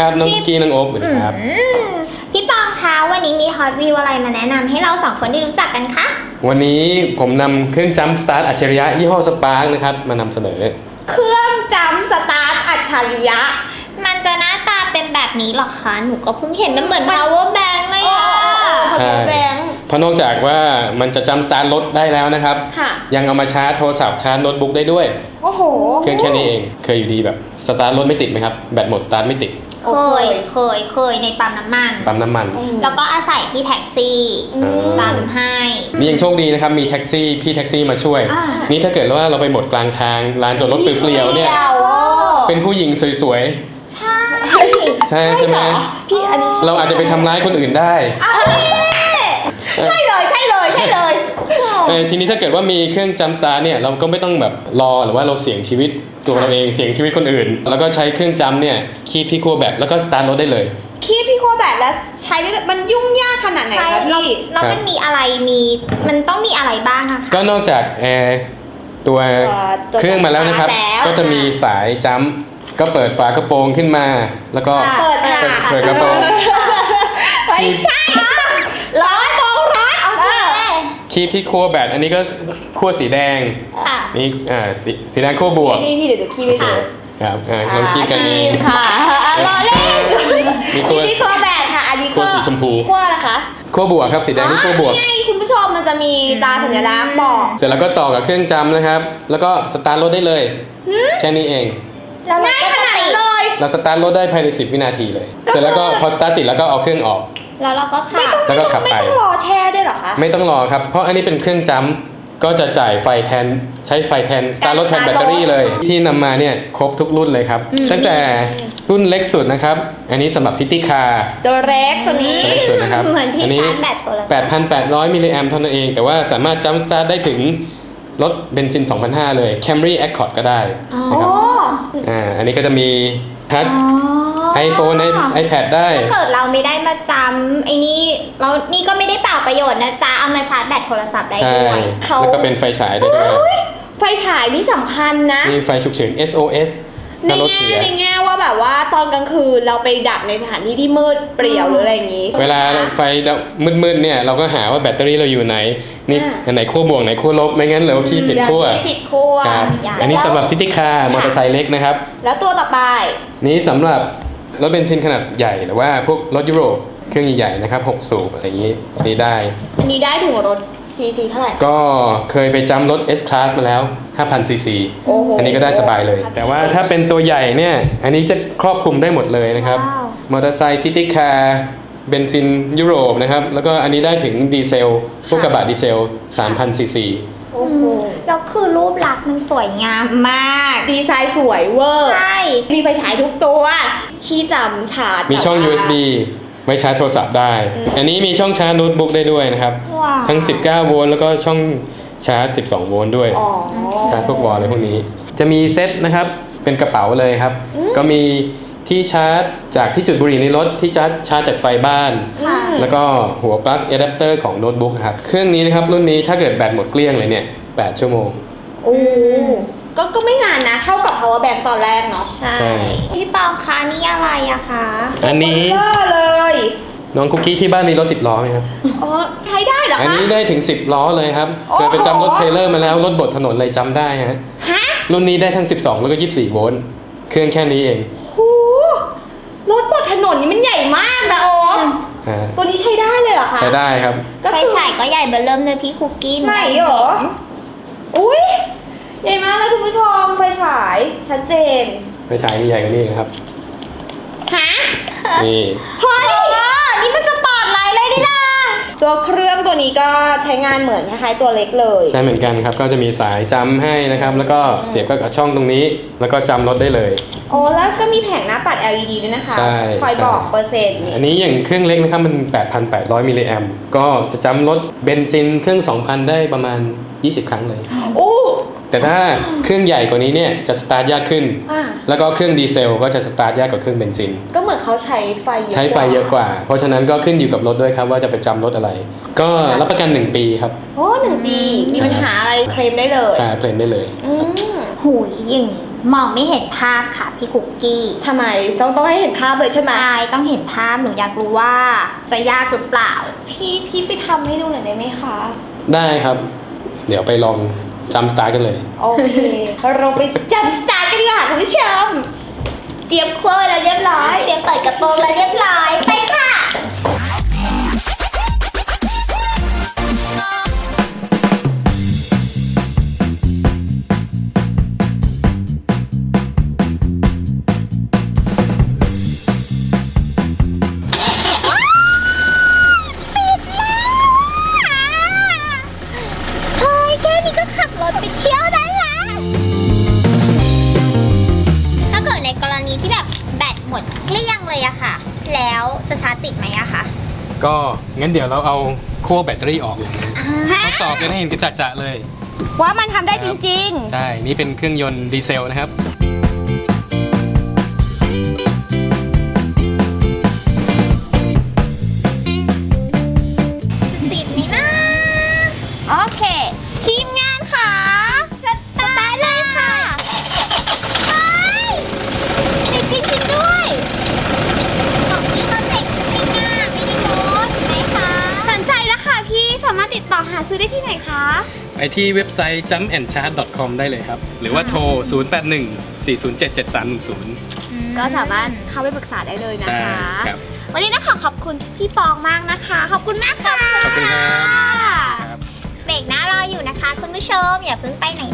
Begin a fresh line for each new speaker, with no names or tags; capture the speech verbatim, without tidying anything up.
ครับน้องกี้น้องโอ๊บสวัสดีครับ
พี่ปองคะวันนี้มีฮอตวิวอะไรมาแนะนำให้เราสองคนได้รู้จักกันคะ
วันนี้ผมนำเครื่องจัมป์สตาร์ทอัจฉริยะยี่ห้อสปาร์กนะครับมานำเสนอ
เครื่องจัมป์สตาร์ทอัจฉริยะ
มันจะหน้าตาเป็นแบบนี้หรอคะหนูก็เพิ่งเห็นมันเหมือน power bank เลยอะ
ใช่เพราะนอกจากว่ามันจะจัมป์สตาร์ทรถได้แล้วนะครับยังเอามาชาร์จโทรศัพท์ชาร์จโน้ตบุ๊กได้ด้วย
โอ้โห
เครื่องแค่นี้เองเคยอยู่ดีแบบสตาร์ทรถไม่ติดไหมครับแบตหมดสตาร์ทไม่ติด
เคยเคยเคยในปั๊มน้ำมัน
ปั๊มน้ำมัน
แล้วก็อาศัยพี่แท็กซี่จำให้
นี่ยังโชคดีนะครับมีแท็กซี่พี่แท็กซี่มาช่วยนี่ถ้าเกิดว่าเราไปหมดกลางทางลานจอดรถเปลี่ยวเนี่ยเป็นผู้หญิงสวย
ๆใช่
ใช่ใช่ไหม
พี่อันนี้
เราอาจจะไปทำร้ายคนอื่นได้
ใช่เลยใช่เลยใช่เลย
ทีนี้ถ้าเกิดว่ามีเครื่องจัมป์สตาร์ทเนี่ยเราก็ไม่ต้องแบบรอหรือว่าเราเสี่ยงชีวิตตัวเราเองเสี่ยงชีวิตคนอื่นแล้วก็ใช้เครื่องจัมป์เนี่ยคีบที่ขั้วแบตแล้วก็สตาร์ทรถได้เลย
คีบที่ขั้วแบตแล้วใช้มันยุ่งยากขนาดไหนคะพี่
แล้วมันมีอะไรมีมันต้องมีอะไรบ้างอะคะ
ก็นอกจากแอร์ตัวเครื่องมาแล้วนะครับก็จะมีสายจัมป์ก็เปิดฝากระโปรงขึ้นมาแล้วก็
เปิดค่ะ
เปิดกระโปรง
ไม่ใช่ร้อนมองร้อน
คีบที่ขั้วแบตอันนี้ก็ขั้วสีแดงนี่อ่าสีสีแดงขั้วบวก
นี่พี่เดี๋ยวคีบไปค่ะ
ครับอ่าลองคีบกันเอง
ค่ะรอเล่นมีขั้วที่ขั้วแบตค่ะอันนี้
ขั้วสีชมพู
ขั้วอะไรคะ
ขั้วบวกครับสีแดงนี่ขั้วบวก
ไงคุณผู้ชมมันจะมีตาสัญลักษณ์บอก
เสร็จแล้วก็ต่อกับเครื่องจัมป์นะครับแล้วก็สตาร์ทรถได้เลยแค่นี้เอง
ง่ายขนาดนั้นเลย
เราสตาร์ทรถได้ภายในสิบวินาทีเลยเสร็จแล้วก็พอสตาร์ทติดแล้วก็เอาเครื่องออก
แล้วเราก็ขับ
แล้วก็ขับไป
ไม่ต้องรอแช่ด้วยหรอคะ
ไม่ต้องรอครับเพราะอันนี้เป็นเครื่องจัมป์ก็จะจ่ายไฟแทนใช้ไฟแทนสตาร์ทรถแทนแบตเตอรี่เลยที่นำมาเนี่ยครบทุกรุ่นเลยครับตั้งแต่รุ่นเล็กสุดนะครับอันนี้สำหรับซิตี้คาร์
ตัวเล็กตัวนี้
เล็กสุดนะครับ
เหมือนที่ชาร์จแบตตัวละ
แปดพันแปดร้อย มิลลิแอมป์เท่านั้นเองแต่ว่าสามารถจัมป์สตาร์ทได้ถึงรถเบนซิน สองพันห้าร้อย เลย Camry Accord ก็ได้นะครับอ่าอันนี้ก็จะมีทัชไอโฟนไอแพดได้
ถ้าเกิดเราไม่ได้มาจำไอ้นี่เรานี่ก็ไม่ได้เปล่าประโยชน์นะจ๊ะเอามาชาร์จแบตโทรศัพท์ได้ด้วย
แล้วก็เป็นไฟฉายได้ด้วย
ไฟฉายนี่สำคัญนะ
มีไฟฉุกเฉิน เอส โอ เอส
ในแง่ในแง่ว่าแบบว่าตอนกลางคืนเราไปดับในสถานที่ที่มืดเปลี่ยวหรืออะไรอย่างนี้
เวลาไฟมืดๆเนี่ยเราก็หาว่าแบตเตอรี่เราอยู่ไหนนี่ไหนขั้วบวกไหนขั้วลบไม่งั้นเราขี้ผิดขั้ว
ผิดขั้ว
อันนี้สำหรับซิตี้คาร์มอเตอร์ไซค์เล็กนะครับ
แล้วตัวต่อไป
นี้สำหรับรถเบนซินขนาดใหญ่หรือว่าพวกรถยุโรปเครื่องใหญ่ๆนะครับหกสูบอะไรอย่างนี้นี่ได้
อันนี้ได้ถึงรถซีซีเท่าไหร่
ก็เคยไปจัมป์รถ เอส Class มาแล้ว ห้าพัน ซี ซี อันนี้ก็ได้สบายเลยแต่ว่าถ้าเป็นตัวใหญ่เนี่ยอันนี้จะครอบคลุมได้หมดเลยนะครับมอเตอร์ไซค์ซิตี้คาร์เบนซินยุโรปนะครับแล้วก็อันนี้ได้ถึงดีเซลพวกกระบะดีเซล สามพัน ซี ซี
โอ้โหแล้วคือรูปลักษณ์มันสวยงามมาก
ดีไซน์สวยเวอร์
ใช่
มีไฟฉายทุกตัวที่จำชาร์จ
มีช่อง ยู เอส บี ไว้ชาร์จโทรศัพท์ได้อันนี้มีช่องชาร์จโน้ตบุ๊กได้ด้วยนะครับทั้งสิบเก้าโวลต์แล้วก็ช่องชาร์จสิบสองโวลต์ด้วยชาร์จพวกวอลอะไรพวกนี้จะมีเซ็ตนะครับเป็นกระเป๋าเลยครับก็มีที่ชาร์จจากที่จุดบุหรี่ในรถที่ชาร์จชาร์จจากไฟบ้านแล้วก็หัวปลั๊กอะแดปเตอร์ของโน้ตบุ๊กครับเครื่องนี้นะครับรุ่นนี้ถ้าเกิดแบตหมดเกลี้ยงเลยเนี่ยแปดชั่วโมง
โอ้ก็ก็ไม่นานนะเท่ากับ power bank ตอนแรกเนาะ
ใช่พี่ปองคะนี่อะไรอะคะ
อันนี้
เลย
น้องคุกกี้ที่บ้านมีรถสิบล้อไหมครับ
อ๋อใช้ได้เหรอคะ
อันนี้ได้ถึงสิบล้อเลยครับเคยไปจำรถเทรลเลอร์มาแล้วรถบดถนนเลยจำได้ฮะรุ่นนี้ได้ทั้งสิบสองแล้วก็ยี่สิบสี่โวลต์เครื่องแค่นี้เอง
โหรถบดถนนนี่มันใหญ่มากนะโอ๊คตัวนี้ใช้ได้เลยเหรอคะ
ใช้ได้ครับ
ไฟฉายก็ใหญ่เบอร์เริ่มเลยพี่คุกกี้
ไหนเหรออุ้ยใหญ่มากเลยคุณผู้ชมไฟฉายชัดเจน
ไฟฉายใหญ่กว่านี้ครับ
ฮะ
นี่
เฮ้ย
นี่มันสปอร์ตไลท์เลยดิล่ะ
ตัวเครื่องตัวนี้ก็ใช้งานเหมือนคล้ายๆตัวเล็กเลย
ใช่เหมือนกันครับก็จะมีสายจำให้นะครับแล้วก็เสียบกับช่องตรงนี้แล้วก็จำรถได้เลย
โอ้แล้วก็มีแผงหน้าปัด แอล อี ดี ด้วยนะคะคอยบอกเปอร์เซ็นต์
อันนี้อย่างเครื่องเล็กนะครับมัน แปดพันแปดร้อย มิลลิแอมป์ก็จะจำรถเบนซินเครื่อง สองพัน ได้ประมาณยี่สิบครั้งเลย
โอ้
แต่ถ้าเครื่องใหญ่กว่านี้เนี่ยจะสตาร์ทยากขึ้นแล้วก็เครื่องดีเซลก็จะสตาร์ทยากกว่าเครื่องเบนซิน
ก็เหมือนเขาใช้ไฟ
ใช้ไฟเยอะกว่าเพราะฉะนั้นก็ขึ้นอยู่กับรถด้วยครับว่าจะไปจำรถอะไรก็รับประกันหนึ่งปีครับ
โอ้หนึ่งปีมีปัญหาอะไรเคลมได้เลย
ใช่เคลมได้เลย
หูยอย่างมองไม่เห็นภาพค่ะพี่คุกกี้
ทำไมต้องต้องให้เห็นภาพเลยใช่ไหม
ใช่ต้องเห็นภาพหนูอยากรู้ว่าจะยากหรือเปล่า
พี่พี่ไปทำให้ดูหน่อยได้ไหมคะ
ได้ครับ เดี๋ยวไปลองจำสตาร์ทกันเลย
โอเค เราไปจับสตาร์ทกันดีกว่าคุณผู้ชม เตรียมครัวไว้แล้วเรียบร้อย
เตรียมเปิดกระโปรงแล้วเรียบร้อยไปค่ะ เฮ้ยแค่นี้ก็ขับรถไปเที่ยวได้แล้ว ถ้าเกิดในกรณีที่แบบแบตหมดเกลี้ยงเลยอะค่ะ แล้วจะชาร์จติดไหมอะคะ
ก็งั้นเดี๋ยวเราเอาขั้วแบตเตอรี่ออกเลยนะทดสอบกันให้เห็นกระจ่างๆเลย
ว่ามันทำได้จริง
ใช่ นี่เป็นเครื่องยนต์ดีเซลนะครับ
ติดไหมนะ
ๆ โอเค
ทีมงานค่ะ สตาร์ทเลยค่ะไปติดจริงๆด้วยของพี่เขาเจ๋งจริงอะมินิโมดไหมคะ
สนใจแล้วค่ะพี่สามารถติดต่อหาซื้อได้ที่ไหนคะ
ไปที่เว็บไซต์ จัมป์แอนด์ชาร์จ ดอท คอม ได้เลยครับ หรือว่าโทร ศูนย์ แปด หนึ่ง สี่ ศูนย์ เจ็ด เจ็ด สาม หนึ่ง ศูนย์
ก็สามารถเข้าไปปรึกษาได้เลยนะ
ใช่
คะ
ครับ
วันนี้ต้องขอขอบคุณพี่ปองมากนะคะ ขอบคุณมากค่ะ
ขอบคุณครับ ครับ
เบรกหน้ารออยู่นะคะ คุณผู้ชมอย่าเพิ่งไปไหน